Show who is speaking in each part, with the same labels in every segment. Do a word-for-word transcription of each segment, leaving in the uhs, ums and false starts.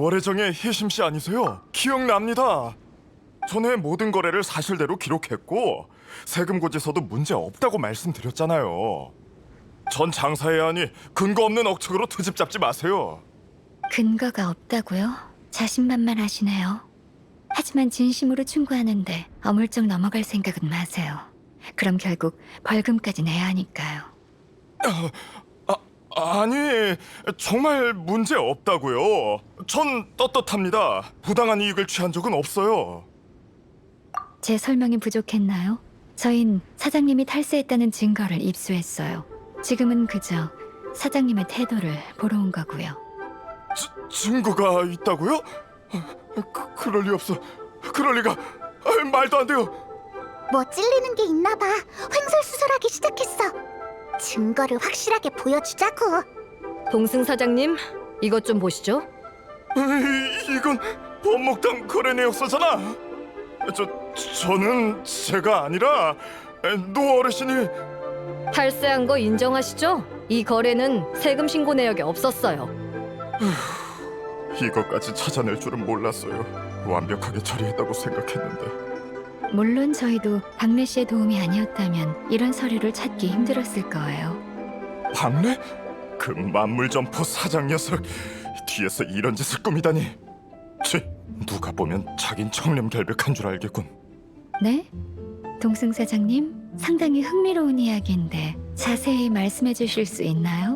Speaker 1: 월혜정의 혜심 씨 아니세요? 기억납니다. 전에 모든 거래를 사실대로 기록했고 세금 고지서도 문제 없다고 말씀드렸잖아요. 전 장사해야 하니 근거 없는 억측으로 트집 잡지 마세요.
Speaker 2: 근거가 없다고요? 자신만만하시네요. 하지만 진심으로 충고하는데 어물쩍 넘어갈 생각은 마세요. 그럼 결국 벌금까지 내야 하니까요.
Speaker 1: 아, 아니 정말 문제 없다고요. 전 떳떳합니다. 부당한 이익을 취한 적은 없어요.
Speaker 2: 제 설명이 부족했나요? 저흰 사장님이 탈세했다는 증거를 입수했어요. 지금은 그저 사장님의 태도를 보러 온 거고요.
Speaker 1: 지, 증거가 있다고요? 그, 그럴 리 없어. 그럴 리가. 아, 말도 안 돼요.
Speaker 3: 뭐 찔리는 게 있나 봐. 횡설수설하기 시작했어. 증거를 확실하게 보여주자고.
Speaker 4: 동승 사장님, 이것 좀 보시죠.
Speaker 1: 이, 이건 법목당 거래 내역서잖아. 저 저는 제가 아니라 노 어르신이.
Speaker 4: 탈세한 거 인정하시죠? 이 거래는 세금 신고 내역에 없었어요.
Speaker 1: 이것까지 찾아낼 줄은 몰랐어요. 완벽하게 처리했다고 생각했는데.
Speaker 2: 물론 저희도 박래 씨의 도움이 아니었다면 이런 서류를 찾기 힘들었을 거예요.
Speaker 1: 박래? 그 만물점포 사장 녀석 뒤에서 이런 짓을 꾸미다니. 치, 누가 보면 자긴 청렴결백한 줄 알겠군.
Speaker 2: 네? 동승 사장님, 상당히 흥미로운 이야기인데 자세히 말씀해 주실 수 있나요?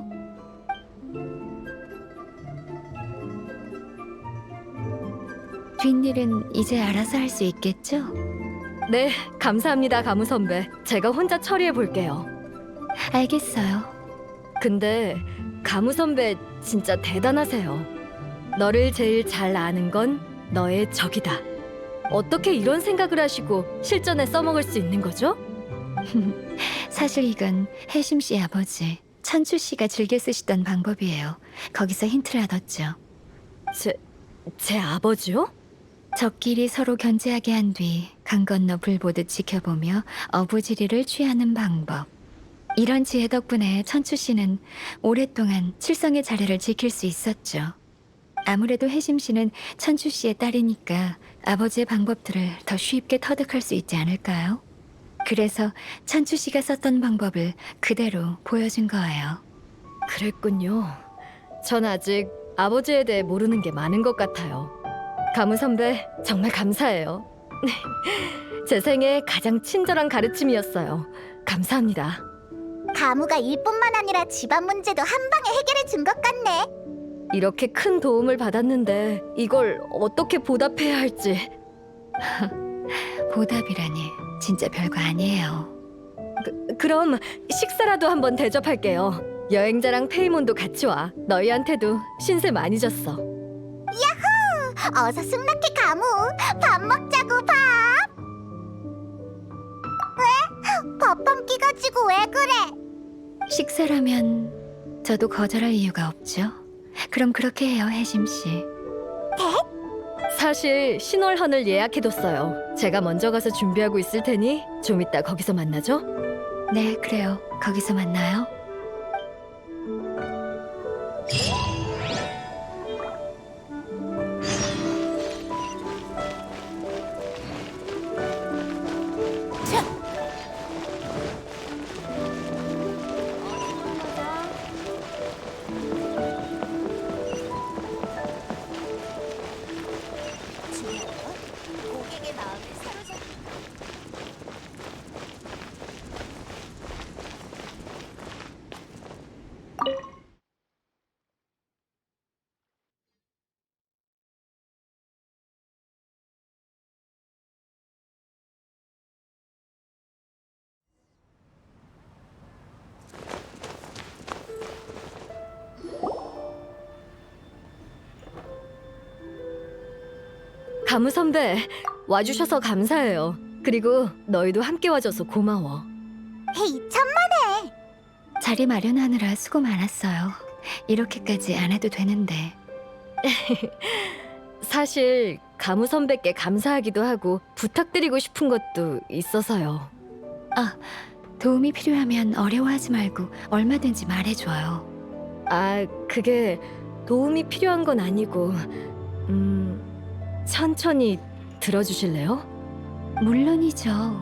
Speaker 2: 뒷일은 이제 알아서 할 수 있겠죠?
Speaker 4: 네, 감사합니다, 가무 선배. 제가 혼자 처리해 볼게요.
Speaker 2: 알겠어요.
Speaker 4: 근데 가무 선배 진짜 대단하세요. 너를 제일 잘 아는 건 너의 적이다. 어떻게 이런 생각을 하시고 실전에 써먹을 수 있는 거죠?
Speaker 2: 사실 이건 혜심 씨 아버지 천추 씨가 즐겨 쓰시던 방법이에요. 거기서 힌트를 얻었죠.
Speaker 4: 제, 제 아버지요?
Speaker 2: 적끼리 서로 견제하게 한 뒤 강 건너 불 보듯 지켜보며 어부지리를 취하는 방법. 이런 지혜 덕분에 천추 씨는 오랫동안 칠성의 자리를 지킬 수 있었죠. 아무래도 혜심 씨는 천추 씨의 딸이니까 아버지의 방법들을 더 쉽게 터득할 수 있지 않을까요? 그래서 천추 씨가 썼던 방법을 그대로 보여준 거예요.
Speaker 4: 그랬군요. 전 아직 아버지에 대해 모르는 게 많은 것 같아요. 가무 선배, 정말 감사해요. 제 생애 가장 친절한 가르침이었어요. 감사합니다.
Speaker 3: 가무가 일뿐만 아니라 집안 문제도 한 방에 해결해 준 것 같네.
Speaker 4: 이렇게 큰 도움을 받았는데 이걸 어떻게 보답해야 할지.
Speaker 2: 보답이라니 진짜 별거 아니에요.
Speaker 4: 그, 그럼 식사라도 한번 대접할게요. 여행자랑 페이몬도 같이 와. 너희한테도 신세 많이 졌어.
Speaker 3: 어서 승낙해 가무. 밥 먹자고 밥. 왜? 밥 한 끼 가지고 왜 그래?
Speaker 2: 식사라면 저도 거절할 이유가 없죠. 그럼 그렇게 해요, 혜심 씨.
Speaker 4: 사실 신월헌을 예약해뒀어요. 제가 먼저 가서 준비하고 있을 테니 좀 이따 거기서 만나죠.
Speaker 2: 네, 그래요. 거기서 만나요.
Speaker 3: 고객의 마음을 사로잡.
Speaker 4: 가무 선배, 와주셔서 감사해요. 그리고 너희도 함께 와줘서 고마워.
Speaker 3: 헤이 천만에.
Speaker 2: 자리 마련하느라 수고 많았어요. 이렇게까지 안 해도 되는데.
Speaker 4: 사실 가무 선배께 감사하기도 하고 부탁드리고 싶은 것도 있어서요.
Speaker 2: 아, 도움이 필요하면 어려워하지 말고 얼마든지 말해줘요.
Speaker 4: 아, 그게 도움이 필요한 건 아니고 음, 천천히 들어주실래요?
Speaker 2: 물론이죠.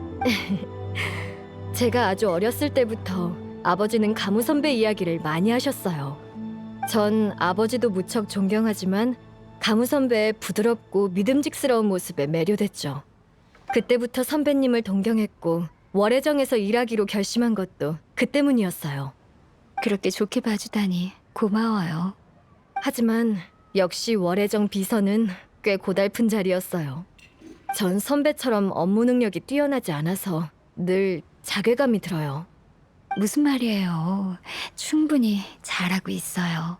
Speaker 4: 제가 아주 어렸을 때부터 아버지는 가무 선배 이야기를 많이 하셨어요. 전 아버지도 무척 존경하지만 가무 선배의 부드럽고 믿음직스러운 모습에 매료됐죠. 그때부터 선배님을 동경했고 월해정에서 일하기로 결심한 것도 그 때문이었어요.
Speaker 2: 그렇게 좋게 봐주다니 고마워요.
Speaker 4: 하지만 역시 월해정 비서는 꽤 고달픈 자리였어요. 전 선배처럼 업무 능력이 뛰어나지 않아서 늘 자괴감이 들어요.
Speaker 2: 무슨 말이에요? 충분히 잘하고 있어요.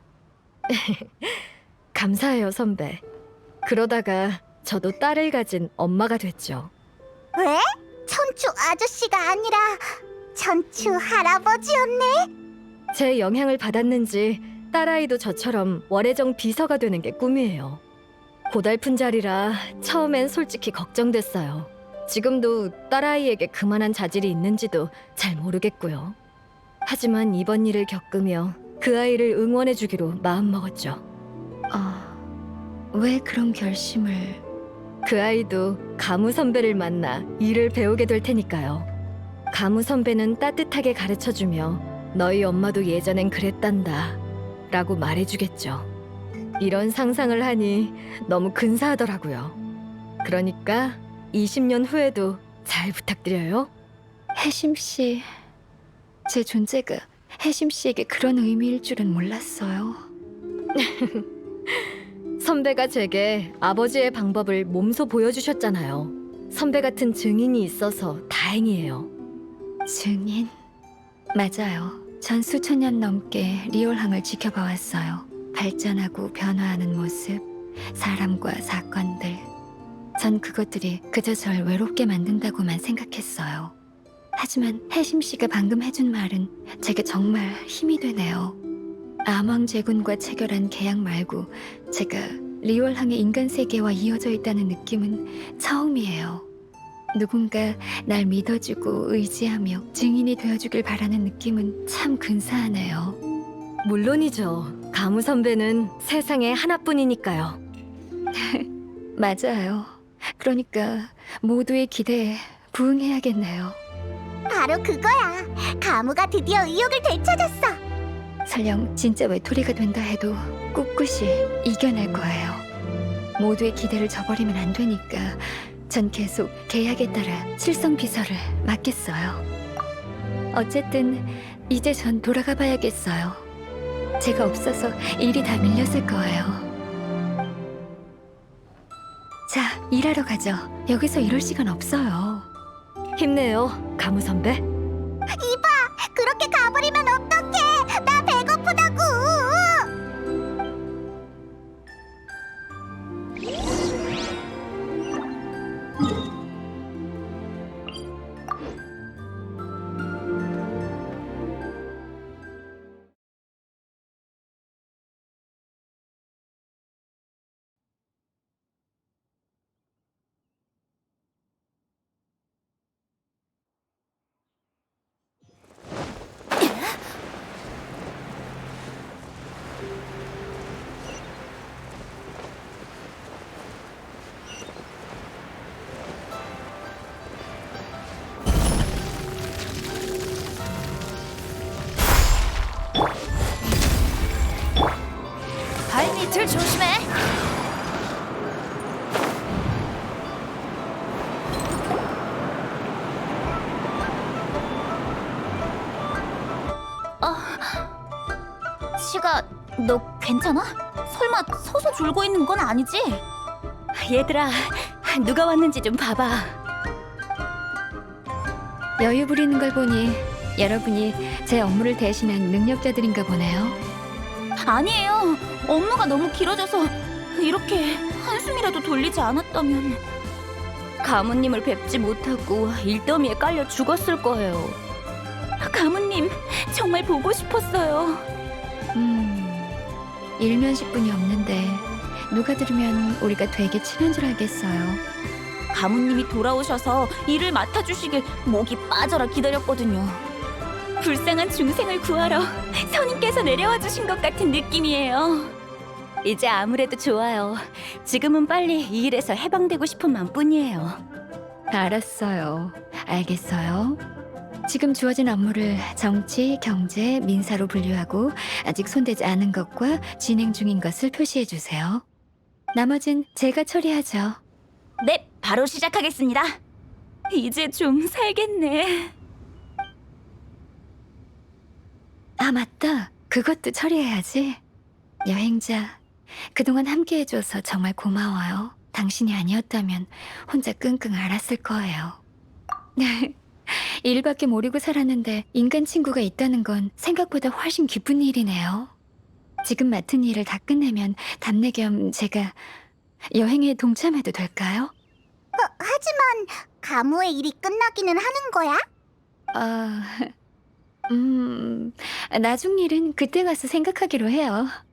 Speaker 4: 감사해요, 선배. 그러다가 저도 딸을 가진 엄마가 됐죠.
Speaker 3: 왜? 천추 아저씨가 아니라 천추 할아버지였네?
Speaker 4: 제 영향을 받았는지 딸아이도 저처럼 월해정 비서가 되는 게 꿈이에요. 고달픈 자리라 처음엔 솔직히 걱정됐어요. 지금도 딸아이에게 그만한 자질이 있는지도 잘 모르겠고요. 하지만 이번 일을 겪으며 그 아이를 응원해주기로 마음먹었죠.
Speaker 2: 어, 왜 그런 결심을...
Speaker 4: 그 아이도 가무 선배를 만나 일을 배우게 될 테니까요. 가무 선배는 따뜻하게 가르쳐주며 너희 엄마도 예전엔 그랬단다 라고 말해주겠죠. 이런 상상을 하니 너무 근사하더라고요. 그러니까 이십 년 후에도 잘 부탁드려요.
Speaker 2: 혜심 씨, 제 존재가 혜심 씨에게 그런 의미일 줄은 몰랐어요.
Speaker 4: 선배가 제게 아버지의 방법을 몸소 보여주셨잖아요. 선배 같은 증인이 있어서 다행이에요.
Speaker 2: 증인? 맞아요. 전 수천 년 넘게 리올항을 지켜봐 왔어요. 발전하고 변화하는 모습, 사람과 사건들. 전 그것들이 그저 절 외롭게 만든다고만 생각했어요. 하지만 혜심 씨가 방금 해준 말은 제게 정말 힘이 되네요. 암왕 제군과 체결한 계약 말고 제가 리올항의 인간 세계와 이어져 있다는 느낌은 처음이에요. 누군가 날 믿어주고 의지하며 증인이 되어주길 바라는 느낌은 참 근사하네요.
Speaker 4: 물론이죠. 가무 선배는 세상에 하나뿐이니까요.
Speaker 2: 맞아요. 그러니까 모두의 기대에 부응해야겠네요.
Speaker 3: 바로 그거야. 가무가 드디어 의욕을 되찾았어.
Speaker 2: 설령 진짜 외톨이가 된다 해도 꿋꿋이 이겨낼 거예요. 모두의 기대를 저버리면 안 되니까 전 계속 계약에 따라 칠성 비서를 맡겠어요. 어쨌든 이제 전 돌아가 봐야겠어요. 제가 없어서 일이 다 밀렸을 거예요. 자, 일하러 가죠. 여기서 이럴 시간 없어요.
Speaker 4: 힘내요, 가무 선배.
Speaker 3: 이봐, 그렇게 가버리면 어떡해? 나 배고프다고.
Speaker 5: 발밑을 조심해. 아, 시가, 너 괜찮아? 설마 서서 졸고 있는 건 아니지?
Speaker 4: 얘들아, 누가 왔는지 좀 봐봐.
Speaker 2: 여유 부리는 걸 보니 여러분이 제 업무를 대신한 능력자들인가 보네요.
Speaker 5: 아니에요. 업무가 너무 길어져서 이렇게 한숨이라도 돌리지 않았다면 가무님을 뵙지 못하고 일더미에 깔려 죽었을 거예요. 가무님, 정말 보고 싶었어요.
Speaker 2: 음, 일면식분이 없는데 누가 들으면 우리가 되게 친한 줄 알겠어요.
Speaker 5: 가무님이 돌아오셔서 일을 맡아주시길 목이 빠져라 기다렸거든요. 불쌍한 중생을 구하러 선임께서 내려와 주신 것 같은 느낌이에요. 이제 아무래도 좋아요. 지금은 빨리 이 일에서 해방되고 싶은 마음뿐이에요.
Speaker 2: 알았어요. 알겠어요. 지금 주어진 업무를 정치, 경제, 민사로 분류하고 아직 손대지 않은 것과 진행 중인 것을 표시해 주세요. 나머진 제가 처리하죠.
Speaker 5: 네, 바로 시작하겠습니다. 이제 좀 살겠네.
Speaker 2: 아, 맞다. 그것도 처리해야지. 여행자, 그동안 함께 해줘서 정말 고마워요. 당신이 아니었다면 혼자 끙끙 앓았을 거예요. 일밖에 모르고 살았는데 인간 친구가 있다는 건 생각보다 훨씬 기쁜 일이네요. 지금 맡은 일을 다 끝내면 답례 겸 제가 여행에 동참해도 될까요?
Speaker 3: 하지만 가무의 일이 끝나기는 하는 거야?
Speaker 2: 아, 음, 나중 일은 그때 가서 생각하기로 해요.